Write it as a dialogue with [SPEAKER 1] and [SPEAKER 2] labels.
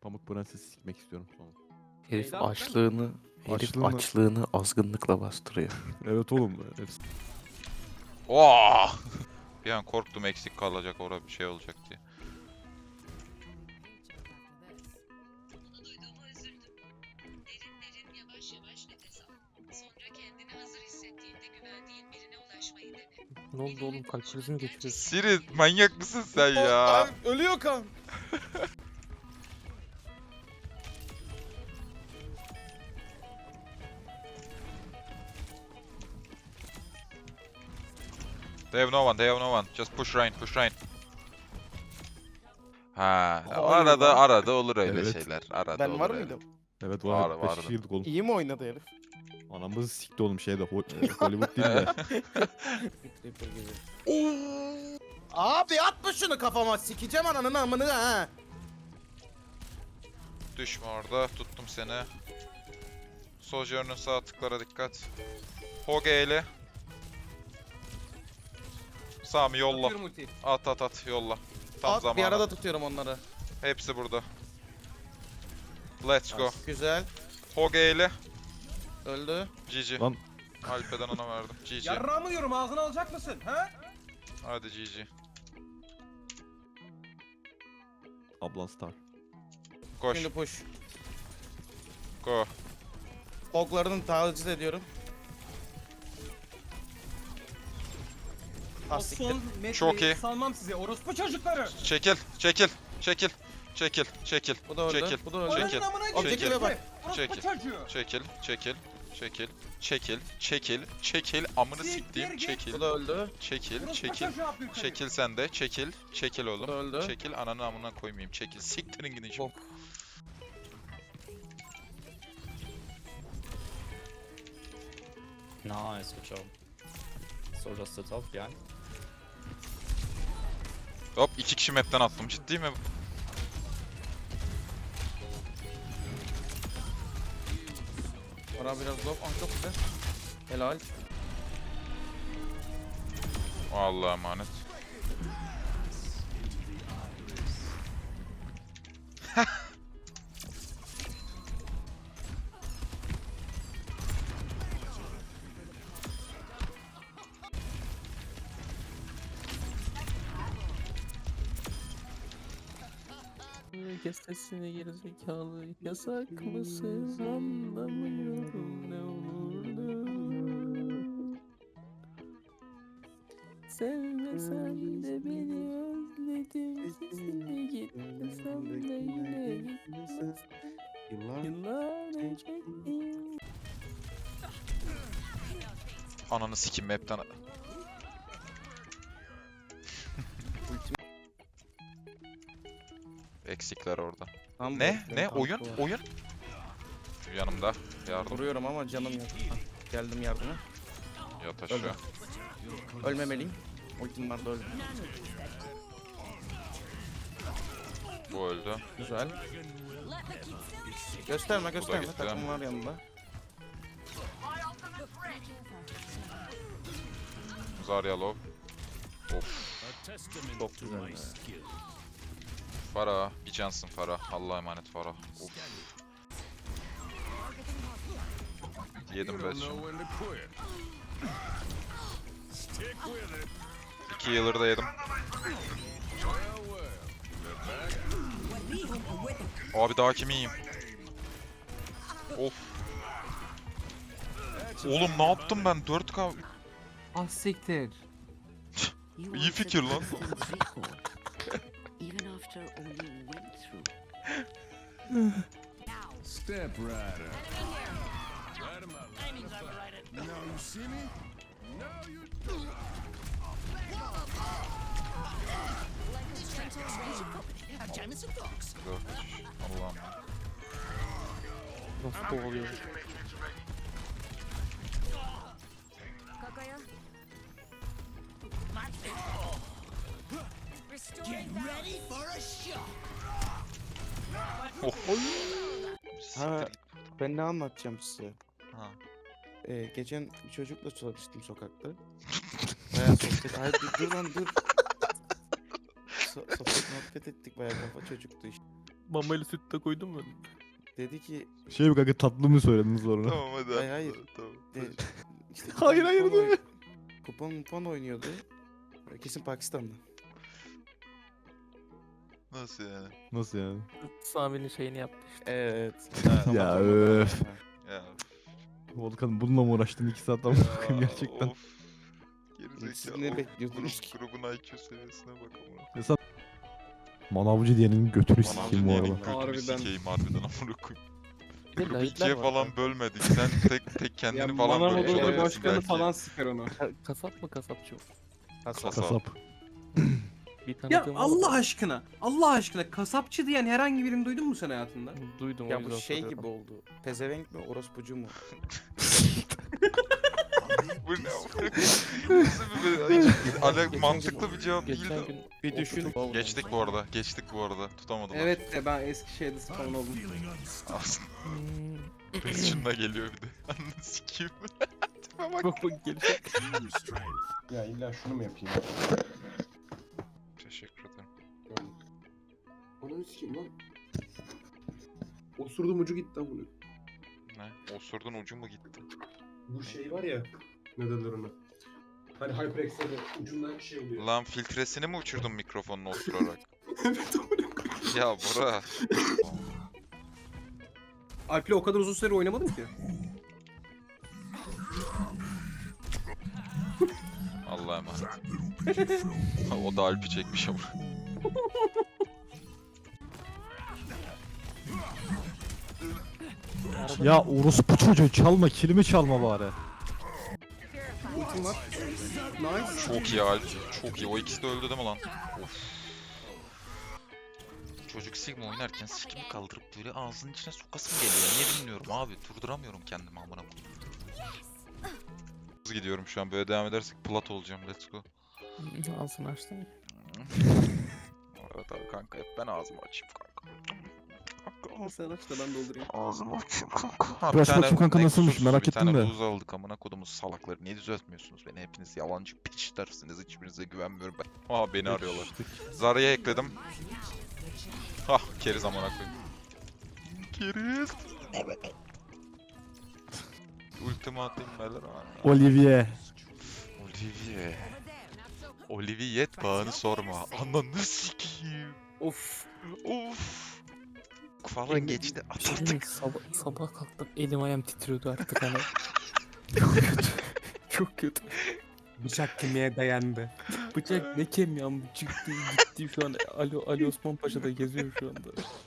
[SPEAKER 1] Pamuk Prenses'i sikmek istiyorum sonra.
[SPEAKER 2] Herif
[SPEAKER 3] Neyden?
[SPEAKER 2] açlığını azgınlıkla bastırıyor.
[SPEAKER 1] Evet oğlum. Hepsi.
[SPEAKER 4] Oo! Bir an korktum eksik kalacak orada bir şey olacak diye.
[SPEAKER 5] Bunu duyduğuma üzüldüm. Derin derin yavaş yavaş nefes al. Sonra kendini hazır hissettiğinde güvendiğin birine ulaşmayı dene.
[SPEAKER 3] Ne oldu oğlum, kalp krizi mi geçiriyorsun?
[SPEAKER 4] Siri manyak mısın sen ya?
[SPEAKER 3] Ölüyor kan.
[SPEAKER 4] They have no one, they have no one. Just push Ryan, push Ryan. Ha,
[SPEAKER 3] Hayır lan.
[SPEAKER 4] arada olur öyle
[SPEAKER 1] Evet.
[SPEAKER 4] şeyler. Arada
[SPEAKER 3] Ben
[SPEAKER 4] olur
[SPEAKER 3] var
[SPEAKER 4] öyle.
[SPEAKER 3] mıydım?
[SPEAKER 1] Evet
[SPEAKER 4] Vardı,
[SPEAKER 1] var.
[SPEAKER 4] vardı.
[SPEAKER 1] Şişirdik oğlum.
[SPEAKER 3] İyi mi oynadı herif?
[SPEAKER 1] Anamızı sikti oğlum şeyde. Hollywood değil de.
[SPEAKER 3] Creeper gibi. Abi atma şunu kafama, sikeceğim ananı amını ha.
[SPEAKER 4] Düşme orada, tuttum seni. Sojourn'un sağ tıklara dikkat. Hoge ile. Sami yolla. At yolla. Tam
[SPEAKER 3] At,
[SPEAKER 4] zamanı.
[SPEAKER 3] bir arada tutuyorum onları.
[SPEAKER 4] Hepsi burada. Let's go.
[SPEAKER 3] Güzel.
[SPEAKER 4] Hoge ile.
[SPEAKER 3] Öldü.
[SPEAKER 4] GG.
[SPEAKER 1] Lan.
[SPEAKER 4] Alpe'den ona verdim. GG.
[SPEAKER 6] Yarrağımı yiyorum, ağzını alacak mısın? Ha?
[SPEAKER 4] Hadi GG.
[SPEAKER 1] Ablan star.
[SPEAKER 4] Koş.
[SPEAKER 3] Şimdi push.
[SPEAKER 4] Go.
[SPEAKER 3] Hoglarını taciz ediyorum.
[SPEAKER 6] O
[SPEAKER 3] Ah siktir.
[SPEAKER 6] son
[SPEAKER 4] Çok
[SPEAKER 6] metreyi
[SPEAKER 4] iyi.
[SPEAKER 6] salmam size orospu çocukları.
[SPEAKER 4] Çekil. Çekil. Çekil. Çekil. Çekil.
[SPEAKER 3] Bu da öldü.
[SPEAKER 4] Çekil.
[SPEAKER 3] Bu da öldü.
[SPEAKER 4] Çekil.
[SPEAKER 6] Ananın amına
[SPEAKER 3] Objektife
[SPEAKER 6] gidecek
[SPEAKER 3] bak.
[SPEAKER 6] mi? Orospu
[SPEAKER 4] Çekil.
[SPEAKER 6] çocuğu.
[SPEAKER 4] Çekil. Çekil. Çekil. Çekil. Çekil. Çekil. Amını
[SPEAKER 6] Siktir
[SPEAKER 4] siktiğim.
[SPEAKER 6] git.
[SPEAKER 4] Çekil.
[SPEAKER 3] Bu da öldü.
[SPEAKER 4] Çekil.
[SPEAKER 6] Orospu
[SPEAKER 4] Çekil.
[SPEAKER 6] çocuğu Abdülkadir.
[SPEAKER 4] Çekil sen de. Çekil. Çekil oğlum.
[SPEAKER 3] Bu da öldü.
[SPEAKER 4] Çekil. Ananı amına koymayayım. Çekil. Siktirin gidin şimdi.
[SPEAKER 3] Bok.
[SPEAKER 7] Nice, good job. So just the top behind.
[SPEAKER 4] Hop 2 kişi map'ten attım. Ciddi mi?
[SPEAKER 3] Bana biraz low. Ah çok güzel. Helal.
[SPEAKER 4] Allah'a emanet.
[SPEAKER 2] Kes sesini gerizekalı. Yasak mısın anlamıyorum ne olurdu. Sevmesen de beni özledim. Sesini gitmesem de yine gitmez. Yıllar çektim.
[SPEAKER 4] Ananı sikim map'ten. Eksikler orada.
[SPEAKER 3] Tam
[SPEAKER 4] Ne?
[SPEAKER 3] bekle,
[SPEAKER 4] Ne?
[SPEAKER 3] tam
[SPEAKER 4] Oyun?
[SPEAKER 3] var.
[SPEAKER 4] Oyun? Yanımda. Yardım.
[SPEAKER 3] Vuruyorum ama canım yok. Ah, geldim yardıma.
[SPEAKER 4] Yat aşağı.
[SPEAKER 3] Ölmemeliyim. Ultim vardı öldüm.
[SPEAKER 4] Bu öldü.
[SPEAKER 3] Güzel. Gösterme gösterme.
[SPEAKER 4] gitti.
[SPEAKER 3] Takım var yanında.
[SPEAKER 4] Zarya low. Of.
[SPEAKER 3] Çok güzel. be.
[SPEAKER 4] Farah. Bir cansın Farah. Allah'a emanet Farah. Of. Yedim ben şimdi. 2 yıldır da yedim. Abi daha kimi yiyeyim? Of. Oğlum ne yaptım ben? 4K.
[SPEAKER 2] Ah siktir.
[SPEAKER 4] İyi fikir lan.
[SPEAKER 5] Even after all you went through.
[SPEAKER 8] Step Rider. Now you see me? Now you
[SPEAKER 4] Allah'ım.
[SPEAKER 3] Nasıl kovalıyor?
[SPEAKER 4] Of.
[SPEAKER 3] Ha,
[SPEAKER 4] Siktir git.
[SPEAKER 3] ben ne anlatacağım size?
[SPEAKER 4] Ha.
[SPEAKER 3] Geçen bir çocukla çalıştım sokakta. Bayağı sohbet... Hayır dur lan dur. Sohbet muhabbet ettik bayağı kafa çocuktu işte.
[SPEAKER 2] Mamayla süt de koydun mu?
[SPEAKER 3] Dedi ki
[SPEAKER 1] Şey mi kanka tatlı mı söyledin sonra?
[SPEAKER 4] Tamam hadi.
[SPEAKER 3] Hayır, hayır.
[SPEAKER 4] Tamam.
[SPEAKER 3] de, işte
[SPEAKER 1] Hayır, hayır,
[SPEAKER 3] kupon
[SPEAKER 1] değil mi?
[SPEAKER 3] Kupon oynuyordu. Kesin Pakistan'da.
[SPEAKER 4] Nasıl yani?
[SPEAKER 1] Nasıl yani?
[SPEAKER 2] Sami'nin şeyini yaptı işte.
[SPEAKER 3] Evet.
[SPEAKER 1] Ya
[SPEAKER 3] Tamam,
[SPEAKER 1] öf.
[SPEAKER 3] tamam.
[SPEAKER 4] Ya.
[SPEAKER 1] Volkan bununla mı uğraştın 2 saat ama bakayım gerçekten.
[SPEAKER 4] Of. Gerizekalı.
[SPEAKER 3] Siz ne bekliyordunuz ki?
[SPEAKER 4] Grubun IQ seviyesine bak ama.
[SPEAKER 1] Mesela manavcı diyenin götünü
[SPEAKER 3] Manavcı
[SPEAKER 1] sikeyim bu
[SPEAKER 3] diyenin
[SPEAKER 1] arada.
[SPEAKER 3] götünü
[SPEAKER 4] Götünü sikeyim harbiden amına koyayım.
[SPEAKER 2] Bir de
[SPEAKER 4] Grubu
[SPEAKER 2] lahitler
[SPEAKER 4] ikiye
[SPEAKER 2] var
[SPEAKER 4] falan
[SPEAKER 2] kanka.
[SPEAKER 4] bölmedik. Sen tek kendini falan
[SPEAKER 6] Manav
[SPEAKER 4] bölmüş
[SPEAKER 6] Odası
[SPEAKER 4] olabilirsin
[SPEAKER 6] başkanı
[SPEAKER 4] belki.
[SPEAKER 6] falan siker onu.
[SPEAKER 2] Kasap mı kasapçı mı?
[SPEAKER 4] Kasap.
[SPEAKER 1] Kasap.
[SPEAKER 2] Bir
[SPEAKER 6] Ya
[SPEAKER 2] tanıdığım var
[SPEAKER 6] Allah
[SPEAKER 2] da-
[SPEAKER 6] aşkına. Allah aşkına kasapçı diyen herhangi birini duydun mu sen hayatında?
[SPEAKER 2] Duydum o
[SPEAKER 3] Ya bu
[SPEAKER 2] yüzden
[SPEAKER 3] şey
[SPEAKER 2] soruyorum.
[SPEAKER 3] gibi oldu. Pezevenk mi, orospucu mu?
[SPEAKER 4] Bu ne amına koyayım? Nasıl bir
[SPEAKER 3] Geçen
[SPEAKER 4] mantıklı bir cevap
[SPEAKER 2] Geçen
[SPEAKER 4] değildi.
[SPEAKER 2] gün
[SPEAKER 3] Bir düşün.
[SPEAKER 4] Geçtik bu arada. Geçtik bu arada. Tutamadılar.
[SPEAKER 6] Evet de ben Eskişehir'de spawn oldum.
[SPEAKER 4] Aslında
[SPEAKER 2] Hmm,
[SPEAKER 4] peşinde geliyor bir de. Ananı sikeyim. Tipe bak.
[SPEAKER 2] bak bak gelecek.
[SPEAKER 8] Use strength.
[SPEAKER 9] Ya illa şunu mu yapayım?
[SPEAKER 4] Teşekkür ederim.
[SPEAKER 9] Onu sikeyim lan. Osurdum ucu gitti lan bunu.
[SPEAKER 4] Ne? Osurdun ucu mu gitti?
[SPEAKER 9] Bu şey var ya. Ne derler ona? Hani HyperX'de ucunda şey oluyor.
[SPEAKER 4] Lan filtresini mi uçurdun mikrofonuna osurarak?
[SPEAKER 9] Evet onu.
[SPEAKER 4] Ya bura.
[SPEAKER 6] Alp'le o kadar uzun süre oynamadım ki.
[SPEAKER 4] Allah'a emanet. O da Alp'i çekmiş ama.
[SPEAKER 1] Ya orospu çocuğu çalma kilimi çalma bari.
[SPEAKER 6] Ultim var. Nice.
[SPEAKER 4] Çok iyi Alp. Çok iyi. O ikisi de öldü değil mi lan? Of. Çocuk Sigma oynarken sikimi kaldırıp böyle ağzının içine sokasım geliyor. Niye bilmiyorum abi. Durduramıyorum kendimi amına koyayım. Hızlı gidiyorum şu an. Böyle devam edersek plat olacağım. Let's go.
[SPEAKER 2] Ağzını açtın ya.
[SPEAKER 4] Evet abi kanka hep ben ağzımı açayım kanka.
[SPEAKER 6] Sen aç da ben doldurayım.
[SPEAKER 4] Ağzımı açayım kanka.
[SPEAKER 1] Aç bakayım kanka nasılmış, merak ettim de.
[SPEAKER 4] Bir tane buz aldık amına kodumuz salakları. Niye düzeltmiyorsunuz beni? Hepiniz yalancı piçlersiniz. Hiçbirinize güvenmiyorum ben. Aa beni arıyorlar. Zarya ekledim. Hah keriz amına koyayım. Keriz. Ultimi atayım beyler.
[SPEAKER 1] Olivier.
[SPEAKER 4] Olivier. Olivier bağını sorma. Ananı sikeyim.
[SPEAKER 6] Of.
[SPEAKER 4] Of. Falan geçti. Atladık.
[SPEAKER 2] Sabah kalktım elim ayağım titriyordu artık hani. Çok kötü. Çok kötü.
[SPEAKER 6] Bıçak kemiğe dayandı.
[SPEAKER 2] Bıçak ne kemiğim çıktı gitti şu an Ali Osman Paşa'da geziyor şu anda.